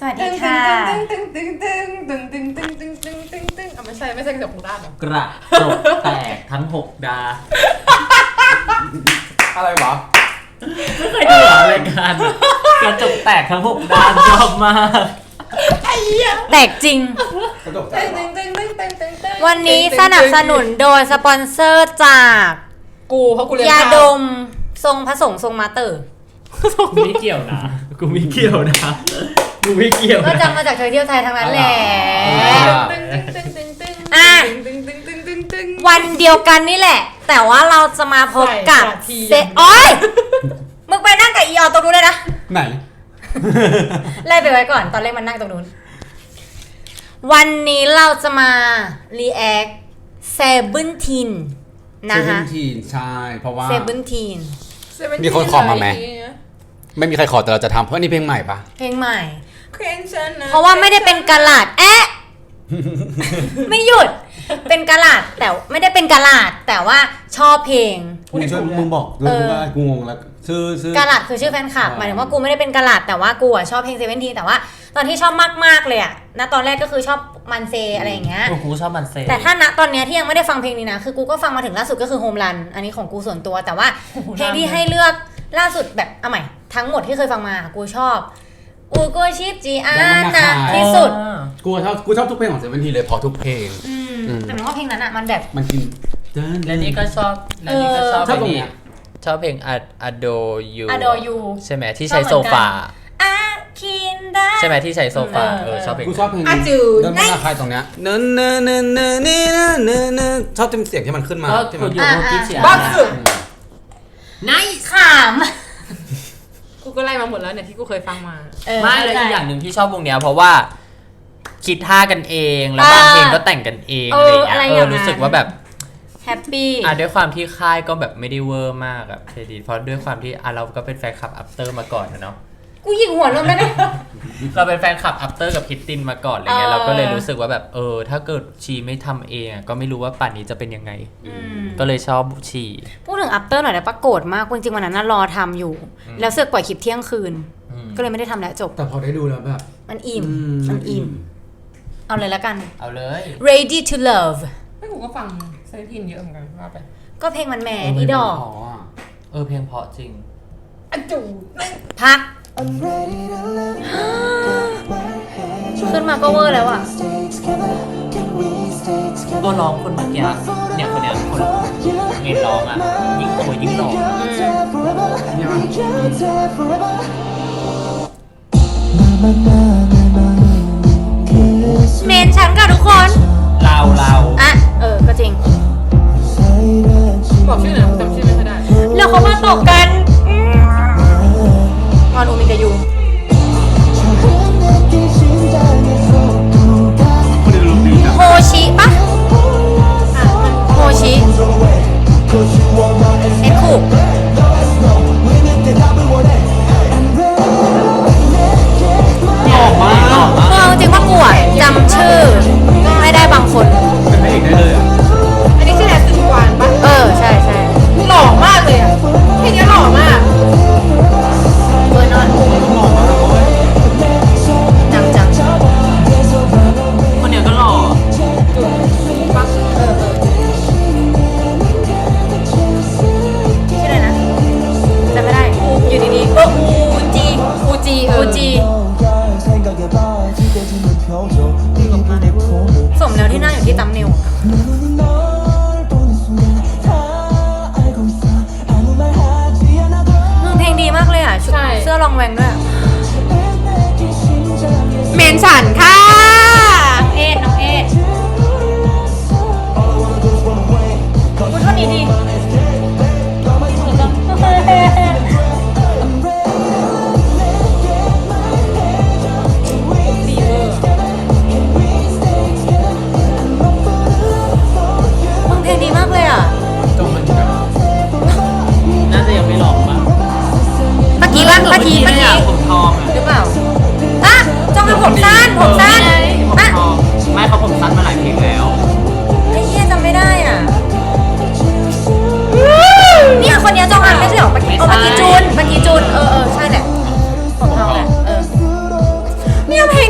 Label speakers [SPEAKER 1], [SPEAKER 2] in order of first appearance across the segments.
[SPEAKER 1] สวัสดีค่ะ
[SPEAKER 2] ตึงตึงตึงตึงตึงตึงตึงตึงตึงตึงไม่ใช่กระจกหูด้านเหรอก
[SPEAKER 3] ระจกแตกทั้ง6 ดา
[SPEAKER 4] อะไรวะ
[SPEAKER 3] ไม่เคยดูรายการกระจกแตกทั้ง6 ดาชอบมาก
[SPEAKER 2] ไอ้เหี้ย
[SPEAKER 1] แตกจริง
[SPEAKER 4] กระจกแตก
[SPEAKER 1] วันนี้สนับสนุนโดยสปอนเซอร์จาก
[SPEAKER 2] เพราะกูเรียน
[SPEAKER 1] ยาดมทรงผสมทรงมาเตอร์
[SPEAKER 3] ไม่เกี่ยวนะกูไม่เกี่ยวนะกูไม่เกี่ยว
[SPEAKER 1] ก็จำมาจากเธอเที่ยวไทยทั้งนั้นแหละวันเดียวกันนี่แหละแต่ว่าเราจะมาพบกับเซโอ๊ยมึงไปนั่งกับอีออนตรงนู้นเลยนะ
[SPEAKER 4] ไหน
[SPEAKER 1] ไล่ไปไว้ก่อนตอนแรกมันนั่งตรงนู้นวันนี้เราจะมา react 17นะคะ
[SPEAKER 4] 17ใช่เพราะว่า
[SPEAKER 1] 17
[SPEAKER 4] มีคนขอมาไหมไม่มีใครขอแต่เราจะทำเพราะนี่เพลงใหม่ปะ
[SPEAKER 1] เพลงใหม่เพราะว่าไม่ได้เป็นกะลาดไม่หยุดเป็นกะลาดแต่ไม่ได้เป็นกะลาดแต่ว่าชอบเพลง
[SPEAKER 4] มึงบอกด้วยว่ากูงงแล้ว
[SPEAKER 1] กะลาดคือชื่อแฟนคลับหมายถึงว่ากูไม่ได้เป็นกะลาดแต่ว่ากูชอบเพลง17แต่ว่าตอนที่ชอบมากๆเลยอะณตอนแรกก็คือชอบมันเซอะไรอย่างเงี้ย
[SPEAKER 3] กูชอบมันเซ
[SPEAKER 1] แต่ถ้าณตอนเนี้ยที่ยังไม่ได้ฟังเพลงนี้นะคือกูก็ฟังมาถึงล่าสุดก็คือโฮมรันอันนี้ของกูส่วนตัวแต่ว่าเพลงที่ให้เลือกล่าสุดแบบเอาใหม่ทั้งหมดที่เคยฟังมากูชอบอูโกชิจีอานะที่สุด
[SPEAKER 4] กูชอบทุกเพลงของ17เลยพอทุกเพลง
[SPEAKER 1] แต่ว่าเพลงนั้นอะมันแบบ
[SPEAKER 4] มันกิน
[SPEAKER 3] และนี่ก็ชอบเพลงนี้ชอบเพลง Adore You ใช่ไหมที่ใช้โซฟาใช่ไหมที่ใช้โซฟาชอบเพลง
[SPEAKER 4] กูชอบเพลง
[SPEAKER 1] นี้
[SPEAKER 4] เดินมาใครตรงเนี้ยเนื้อชอบเสียงที่มันขึ้นมา
[SPEAKER 3] ที่มันอยู่ที่เสียง
[SPEAKER 2] บ้าสุด
[SPEAKER 1] ไนท์ขาม
[SPEAKER 2] กูก็ไล่มาหมดแล้วเนี่ยที่กูเคยฟังมา
[SPEAKER 3] ไม่เลยอีกอย่างหนึ่งที่ชอบวงเนี้ยเพราะว่าคิดท่ากันเองแล้วบางเพลงก็แต่งกันเองอะไรอย่างเงี้ยรู้สึกว่าแบบ
[SPEAKER 1] แฮปปี้
[SPEAKER 3] ด้วยความที่ค่ายก็แบบไม่ได้เวอร์มากอะเครดิตเพราะด้วยความที่เราก็เป็นแฟนคลับอัปเตอร์มาก่อนนะเนาะ
[SPEAKER 1] กูยิงหัวลงได้ไหม
[SPEAKER 3] เราเป็นแฟนคลับอัปเตอร์กับพิตตินมาก่อนอะไรเงี้ยเราก็เลยรู้สึกว่าแบบถ้าเกิดชีไม่ทำเองก็ไม่รู้ว่าป่านนี้จะเป็นยังไงก็เลยชอบชี
[SPEAKER 1] พูดถึงอัปเตอร์หน่อยได้ปะโกรธมากจริงๆวันนั้นรอทำอยู่แล้วเสือกปล่อยคลิปเที่ยงคืนก็เลยไม่ได้ทำแล้วจบ
[SPEAKER 4] แต่พอได้ดูแล้วแบบ
[SPEAKER 1] มันอิ่มเอาเลยแล้วกัน
[SPEAKER 3] เอาเลย
[SPEAKER 1] Ready to Love
[SPEAKER 2] ไม่กูก็ฟัง17เยอะเหมือนกันว่าไป
[SPEAKER 1] ก็เพลงมันแหมอีดอก
[SPEAKER 3] เพลงเพราะจริง
[SPEAKER 1] พักขึ้นมาก็เวอร์แล้วอ่ะ
[SPEAKER 3] ตัวร้องคนเมื่อกี้เนี่ยคนเนี้ยคนเมนร้องอ่ะยิ่งโตยิ่งหล่อ
[SPEAKER 1] เมนฉันกับทุกคน
[SPEAKER 3] เรา
[SPEAKER 1] อ่ะก็จริง
[SPEAKER 2] บอกชื่อหน่อยจำชื่อไม่ค่อยได้
[SPEAKER 1] แล้วเขามาตกกันงอนอูมิกายูโฮชิปะโฮชิเอ็กคู
[SPEAKER 3] ออกมา
[SPEAKER 1] จริงว่ากูจำชื่อไม่ได้บางคน
[SPEAKER 4] เป็นพระเอกได้เลย
[SPEAKER 2] อันนี้ชื่อแอสซินวานปะ
[SPEAKER 1] ใช่
[SPEAKER 2] หล่อมากเลยอ่ะเพลงนี้หล่อมาก
[SPEAKER 1] เบอร์นอนจัง
[SPEAKER 3] คนเนี้ยก็หล่อ
[SPEAKER 2] ปั๊บ
[SPEAKER 1] ชื่ออะไรนะจำไม่ได้อยู่ดีๆอูจีสมแล้วที่นั่งอยู่ที่ตัมเนลเพลงดีมากเลยอ่ะเสื้อลองแวงด้วยเมนฉันค่ะน้องเอ็ดพูดเท่านี้ดีเพลงดีมากเลยอ่ะ
[SPEAKER 3] น่าจะยังไม่ลองมั้ง
[SPEAKER 1] เมื่อกี้
[SPEAKER 3] ผมทอง
[SPEAKER 1] หรือเปล่าจ้องผมสั้น
[SPEAKER 3] ไม่เขาผมสั้นมาหลายเพลงแล้ว
[SPEAKER 1] ไอ้เหี้ยจำไม่ได้อ่ะเนี่ยคนนี้จ้องไม่ใช่หรอเมื่อกี้จูนใช่แหละผมทองแหละเนี่ยเพล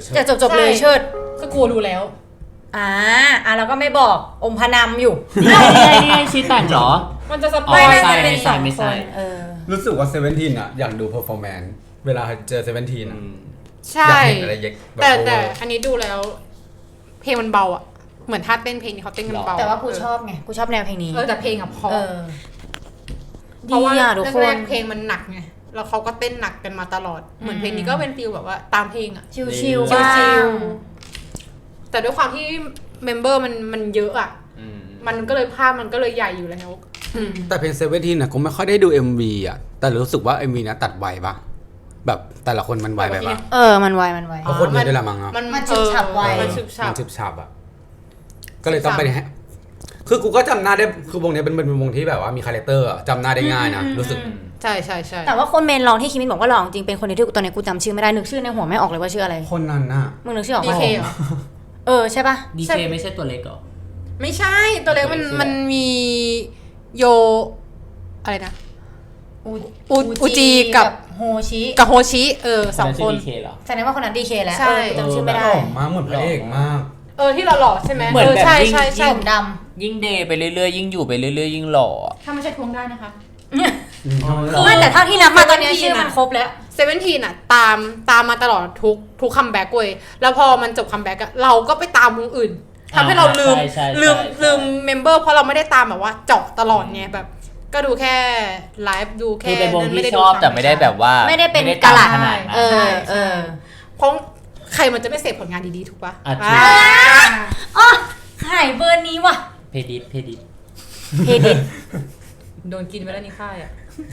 [SPEAKER 1] จะจบเลยเชิด
[SPEAKER 2] คือกูรู้แล้ว
[SPEAKER 1] เราก็ไม่บอกอมพนำอยู่
[SPEAKER 3] นี่ชีแต่งเหรอ
[SPEAKER 2] มันจะสป
[SPEAKER 3] อ๋
[SPEAKER 2] อ
[SPEAKER 3] อ
[SPEAKER 2] ย
[SPEAKER 3] ไม่ใช่
[SPEAKER 1] เป็นสอง
[SPEAKER 3] ไม่
[SPEAKER 1] ค
[SPEAKER 3] ใช่
[SPEAKER 1] น
[SPEAKER 4] รู้สึกว่าเซเว่นทีนอะอยากดูเพอร์ฟอร์แมนซ์เวลาเจอเซเว่นทีนอะ
[SPEAKER 2] ใช่
[SPEAKER 4] อยากเห็นอะไรเย็กแบบ
[SPEAKER 2] แต่อันนี้ดูแล้ว เพลงมันเบาอ่ะเหมือนท่าเต้นเพลงนี้เขาเต้นกันเบา
[SPEAKER 1] แต่ว่ากูชอบไงกูชอบแนวเพลงนี้
[SPEAKER 2] แต่เพลงอะเพราะ เพ
[SPEAKER 1] ดี
[SPEAKER 2] ราะว่า
[SPEAKER 1] อ่ะทุกค
[SPEAKER 2] แร
[SPEAKER 1] น
[SPEAKER 2] กๆเพลงมันหนักไงแล้วเขาก็เต้นหนักกันมาตลอดเหมือนเพลงนี้ก็เป็นฟีลแบบว่าตามเพลงอ่ะ
[SPEAKER 1] ชิว
[SPEAKER 2] ชิ
[SPEAKER 1] ๆ
[SPEAKER 2] ล
[SPEAKER 1] บ้าง
[SPEAKER 2] ๆแต่ด้วยความที่เมมเบอร์มันเยอะอ่ะมันก็เลยภาพมันก็เลยใหญ่อยู่แล้ว
[SPEAKER 4] แต่เพลงเซเว่นทีนอะกูไม่ค่อยได้ดู MV อะแต่รู้สึกว่า MV นะตัดไวปะแบบแต่ละคนมันไวไปปะ
[SPEAKER 1] มันไว
[SPEAKER 4] เพราะคนเยอะด้วยละมั้งเนาะ
[SPEAKER 1] มันฉึบฉับไว
[SPEAKER 2] มันฉึบฉั
[SPEAKER 4] มั
[SPEAKER 2] บ
[SPEAKER 4] นฉึบฉับอะก็เลยต้องไปคือกูก็จำหน้าได้คือวงนี้เป็นวงที่แบบว่ามีคาแรคเตอร์อะจำหน้าได้ง่ายนะรู้สึก
[SPEAKER 2] ใช่ใช่ใช่
[SPEAKER 1] แต่ว่าคนเมนร้องที่คิมินบอกว่าร้องจริงเป็นคนเดียวที่ตอนนี้กูจำชื่อไม่ได้นึกชื่อในหัวไม่ออกเลยว่าชื่ออะไร
[SPEAKER 4] คนนั้นน่ะ
[SPEAKER 1] มึงนึกชื่อออก
[SPEAKER 2] ดี
[SPEAKER 1] ปะ
[SPEAKER 2] เคเหรอ
[SPEAKER 1] ใช่ปะ
[SPEAKER 3] ดีเคไม่ใช่ตัวเล็กเหรอ
[SPEAKER 2] ไม่ใช่ตัวเล็กมันมีโยอะไรนะ อูจีกับ
[SPEAKER 1] โฮชิ
[SPEAKER 2] กับโฮชิสองคน
[SPEAKER 3] ดีเคเหรอ
[SPEAKER 1] แสดงว่าคนนั้นดีเคแล้ว
[SPEAKER 2] ใช่
[SPEAKER 1] กูจำชื่อไม่
[SPEAKER 4] ห
[SPEAKER 1] ได้
[SPEAKER 4] ล่อมากเหมือนพระเอกมาก
[SPEAKER 2] ที่เราหล่อใช่ไหม
[SPEAKER 3] เหมือนแบบ
[SPEAKER 2] ใช่
[SPEAKER 3] ยิ่ง
[SPEAKER 2] ใช่ใช่
[SPEAKER 1] ผมด
[SPEAKER 3] ยิ่งเดย์ไปเรื่อยๆยิ่งอยู่ไปเรื่อยๆยิ่งหล่อ
[SPEAKER 2] ถ้าไม่ใช่ทวงได้นะคะ
[SPEAKER 1] ำไม่แต่เท่าที่นับมาตอนนี้ชื่อมันครบแล้ว
[SPEAKER 2] เซเว่นทีน่ะตามมาตลอดทุกคัมแบ็กเว้ยแล้วพอมันจบคัมแบ็กอะเราก็ไปตามวงอื่นทำให้เราลืม
[SPEAKER 3] ใช่
[SPEAKER 2] ลืมเมมเบอร์เพราะเราไม่ได้ตามแบบว่าเจาะตลอดไงแบบ ก็ดูแค่ไลฟ์ดูแค่
[SPEAKER 3] คือเป็นวง
[SPEAKER 2] นั้น
[SPEAKER 3] ที่
[SPEAKER 2] ด้
[SPEAKER 3] ชอบ
[SPEAKER 2] ดู
[SPEAKER 3] แต่ไม่ได้แบบว่า
[SPEAKER 1] ไม่ได้เป็น
[SPEAKER 3] ตาม
[SPEAKER 1] กะหลัด
[SPEAKER 3] ขนาดนั้น
[SPEAKER 2] เพราะใครมันจะไม่เสพผลงานดีๆถูกปะ
[SPEAKER 3] อ่ะ
[SPEAKER 1] อ๋อหายเบอร์นี้ว่ะ
[SPEAKER 3] เพดิต
[SPEAKER 1] เพดิต
[SPEAKER 2] โดนกินไปแล้วนี่ค่ายอะ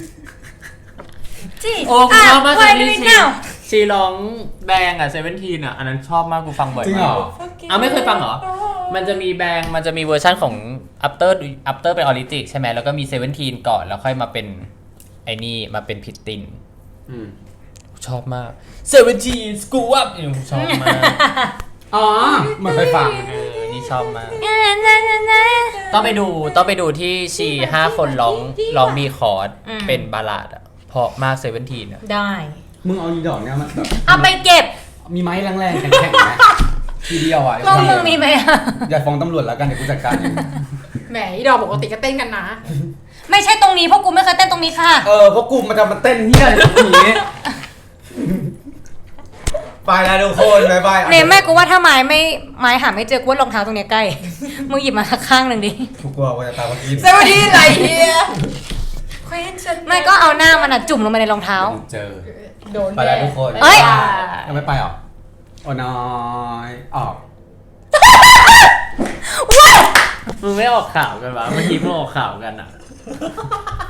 [SPEAKER 1] จี
[SPEAKER 3] โอ้กูชอบมาก
[SPEAKER 1] ไว
[SPEAKER 3] เลย
[SPEAKER 1] ดู
[SPEAKER 3] ที่
[SPEAKER 1] เน่า
[SPEAKER 3] ชีร้องแบงอ่ะ17อ่ะอันนั้นชอบมากกูฟังบ่อย
[SPEAKER 4] จริง
[SPEAKER 3] มา
[SPEAKER 4] เหร
[SPEAKER 3] ก
[SPEAKER 4] อ
[SPEAKER 3] เอาไม่เคยฟังเหรอ มันจะมีแบงมันจะมีเวอร์ชั่นของ after เป็นออริจิใช่ไหมแล้วก็มี17ก่อนแล้วค่อยมาเป็นไอ้นี่มาเป็นพิตติน ชอบมาก17 school up ชอบมาก
[SPEAKER 4] อ๋อเหมือนไปฟัง
[SPEAKER 3] นี่ชอบมาก ต้องไปดูที่ชี5 คนร้องมีคอร์ดเป็นบัลลาดอ่ะเพราะมาก17อ่ะ
[SPEAKER 1] ได้
[SPEAKER 4] มึงเอาอีดอกเนี่ยมันแบบ
[SPEAKER 1] เอาไปเก็บ
[SPEAKER 4] มีไม้แรงๆแข็งๆไหมทีเดียวอ่ะ
[SPEAKER 1] มึงมีไหมอะ
[SPEAKER 4] อย่าฟ้องตำรวจแล้วกันเดี๋ยวกูจัดการเอง
[SPEAKER 2] แหมอีดอกปกติก็เต้นกันนะ
[SPEAKER 1] ไม่ใช่ตรงนี้เพราะกูไม่เคยเต้นตรงนี้ค่ะ
[SPEAKER 4] เพราะกูมันจะมาเต้นเฮี้ยอะไรแบบนี้ไปแล้วทุกคนบายบาย
[SPEAKER 1] เนมแม่กูว่าถ้าไม้หาไม่เจอกูว่ารองเท้าตรงเนี้ยใกล้ มึงหยิบมาข้างหนึ่งดิ
[SPEAKER 4] กูกลัวว่าจะตามมากิน
[SPEAKER 2] สวัสดีไรเฮีย
[SPEAKER 1] ไม่ก็เอาหน้ามันอะจุ่มลงไปในรองเท้า
[SPEAKER 4] เจอ
[SPEAKER 2] โดน
[SPEAKER 4] ไปแล้วทุกคน
[SPEAKER 1] เอ้ย
[SPEAKER 4] ยังไม่ไปหรอโอ้น้อยออก
[SPEAKER 3] มึงไม่ออกข่าวกันวะเมื่อกี้มึงออกข่าวกันอ่ะ